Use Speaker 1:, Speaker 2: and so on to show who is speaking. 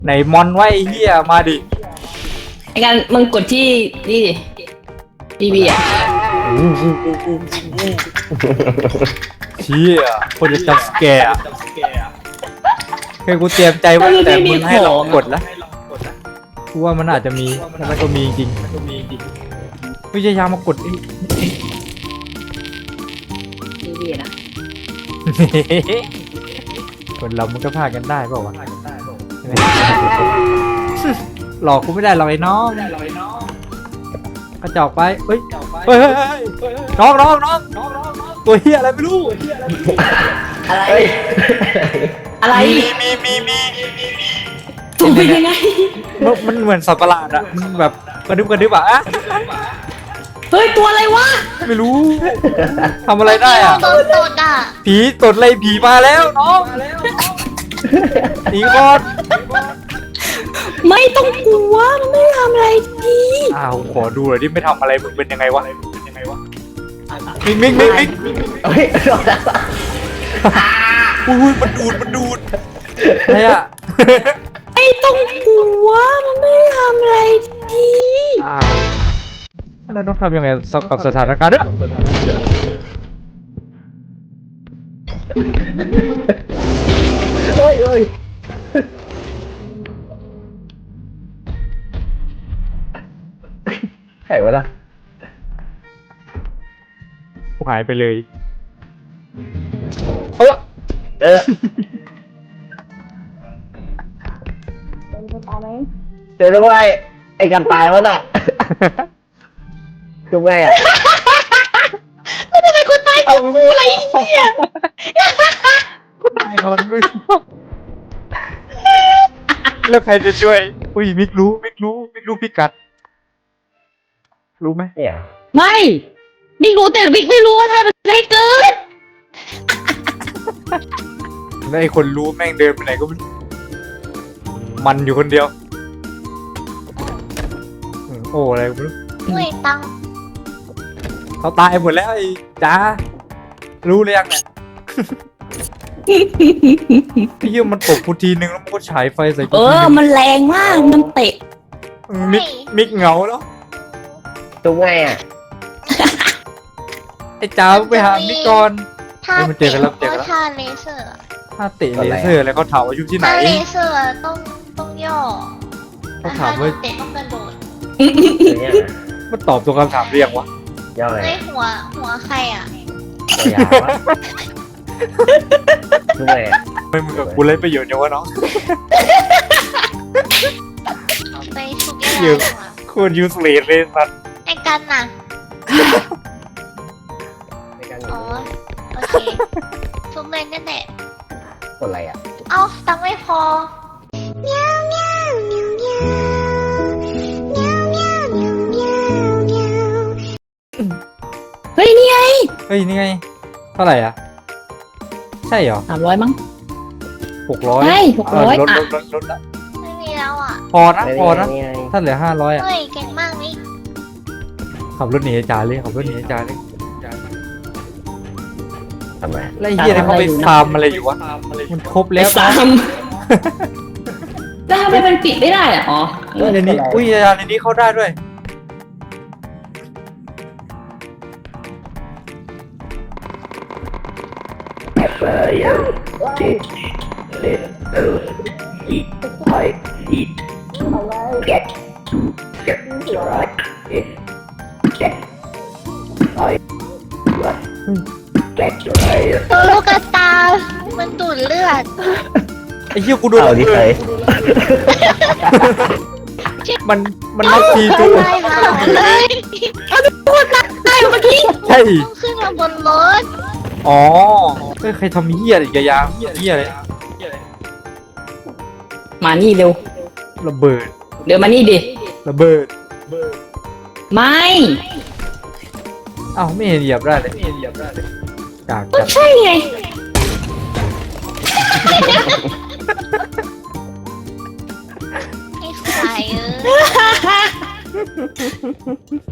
Speaker 1: ไหนมอนไว้ไอ้เหี้ยมาดิ
Speaker 2: ไอ้การมึงกดที่นี่ดิบีอ่ะ
Speaker 1: เชี่ยคนจะจับสแกร์คือกูเตรียมใจไว้แต่มึงให้เรากดละกูว่ามันอาจจะมีแล้วมันก็มีจริงพยายามมากดไอ้
Speaker 2: บีนะ
Speaker 1: คนเรามันก็พลาดกันได้เปล่าวะหลอกกูไม่ได้หรอกไอ้น้องกระจอกไปเฮ้ยเฮ้ยน้องตัวเฮียอะไรไม่รู้
Speaker 2: อะไรอะไร
Speaker 1: มี
Speaker 2: ถูกเป็นยังไง
Speaker 1: มันเหมือนสัตว์ประหลาดอะมันแบบกระดึบอะ
Speaker 2: เฮ้ยตัวอะไรวะ
Speaker 1: ไม่รู้ทำอะไรได้อะ
Speaker 3: โดนตดอ่ะ
Speaker 1: ผีตดอะไรผีมาแล้วน้องหนีก่อน
Speaker 2: ไม่ต้องกลัวมันไม่ทำอะไรดี
Speaker 1: อ้าวขอดูหน่อยดิไม่ทำอะไรมึงเป็นยังไงวะมิก
Speaker 4: เฮ้ย
Speaker 1: อุ้ยมันดูดอะไรอะ
Speaker 2: ไม่ต้องกลัวมันไม่ทำอะไรดี
Speaker 1: อ้าวแล้วต้องทำยังไงกับสถานการณ์เนี่ย
Speaker 4: เฮ้ยใครวะล่ะ
Speaker 1: กูหายไปเลย
Speaker 4: เออเจอแล้วไงไอ้กันตายวะน่ะคือไงอ่ะ
Speaker 3: แล้วทำไมคนตายกับกูอะไรเนี่ย
Speaker 1: ตายก่อนมึงแล้วใครจะช่วยอุ้ยมิกรู้พิกัดรู้ไหม
Speaker 4: เนี่ย
Speaker 2: ไม่บิ๊กรู้แต่บิ๊กไม่รู้ว่าทำอะไรเกิน
Speaker 1: แล้วไอ้คนรู้แม่งเดินไปไหนก็ไม่รู้มันอยู่คนเดียวโอ้อะไรก็ไม่รู้
Speaker 3: เฮ้ยตังค์
Speaker 1: เขาตายหมดแล้วไอ้จ้ารู้เลยยังเนี่ยพี่เยี่ยมันตกกูทีนึงแล้วมันก็ฉายไฟใส่กูทีนึง
Speaker 2: มันแรงมากมันเตะ
Speaker 1: มิกเหงาแล้ว
Speaker 4: คือไงอ่ะ
Speaker 1: ไอ้จ้าไปหามิกก่อน
Speaker 3: ถ้า
Speaker 1: เฮ้ยมันเจอกันแล้ว
Speaker 3: ก็ท่าเลเซอร์
Speaker 1: ถ้าเตะเลเซอร์แล้วเขาถามว่าอยู่ที่ไหน
Speaker 3: ถ้าเลเซอร์ต้องย่อ
Speaker 1: เขาถามว่า
Speaker 3: เตะต้องกระโดด
Speaker 4: คือเนี่ย
Speaker 1: มันตอบตัวคำถามเรียงวะ
Speaker 4: ย่อไง
Speaker 3: ไม่หัวใครอ่ะ
Speaker 4: ตัวยาวะคือไงอ่ะ
Speaker 1: ไม่มึงกับกูเล่นประโยชน์เยอะวะน้อง
Speaker 3: เอาไปชุบยา
Speaker 1: เยอะ
Speaker 3: ดีกว่า
Speaker 1: โคตรยูสเลสเลยสัตว์
Speaker 3: ไอ้กันน่ะ
Speaker 4: ในการ
Speaker 3: อ๋อ โอเคชุบเลยนั่นแหละ
Speaker 4: กดอะไรอ่ะ
Speaker 3: เอ้าตังค์ไม่พอเมียวเมียวเมียวเมียวเมียวเมียวเมียวเมียวเมียว
Speaker 2: เฮ้ยนี่ไง
Speaker 1: เฮ้ยนี่ไงเท่าไหร่อ่ะใช่เหรอ
Speaker 2: 300มั้ง
Speaker 1: 600
Speaker 2: ใช่600
Speaker 1: ลด
Speaker 2: อ่ะ
Speaker 1: ลดละ
Speaker 3: ไม่มีแล้วอ่ะ
Speaker 1: พอนะ
Speaker 4: นี่ไง
Speaker 1: ถ้าเหลือ500อ่ะ
Speaker 3: เฮ้ยเก่งมากนี่
Speaker 1: ขับรถหนีจ่าเลยขับรถหนีจ่าเลย
Speaker 4: ทำไม
Speaker 1: แล้วไอ้เฮียเนี่ยเขาไปฟาร์มอะไรอยู่วะมันครบแล้ว
Speaker 2: สาม แล้วทำไมมันปิดไม่ได้อ่ะอ๋อ
Speaker 1: ในนี้อุ้ยยาในนี้เข้าได้ด้วย
Speaker 3: ตัวลูกกระตา มันดูดเลือด
Speaker 1: ไอ้เฮียกูโดน
Speaker 4: เอาดิ
Speaker 1: เล
Speaker 4: ใคร
Speaker 1: ยมันนับทีตัว
Speaker 3: ได้มาเลย
Speaker 2: ได้เมื่อกี้
Speaker 1: ใช่
Speaker 3: ต้องขึ้นมาบนรถ
Speaker 1: อ๋อเฮ้ยใครทำเฮียอะไรกับยาเฮียอะไร
Speaker 2: มานี่เร็ว
Speaker 1: ระเบิด
Speaker 2: เดี๋ยวมานี่ดิ
Speaker 1: ระเบิด
Speaker 2: ไม่
Speaker 1: เอ้าไม่เห็นเหยียบได้เลยกาก
Speaker 2: ก็
Speaker 1: จัด
Speaker 2: ใช่ไง
Speaker 3: ไอ้สายเออ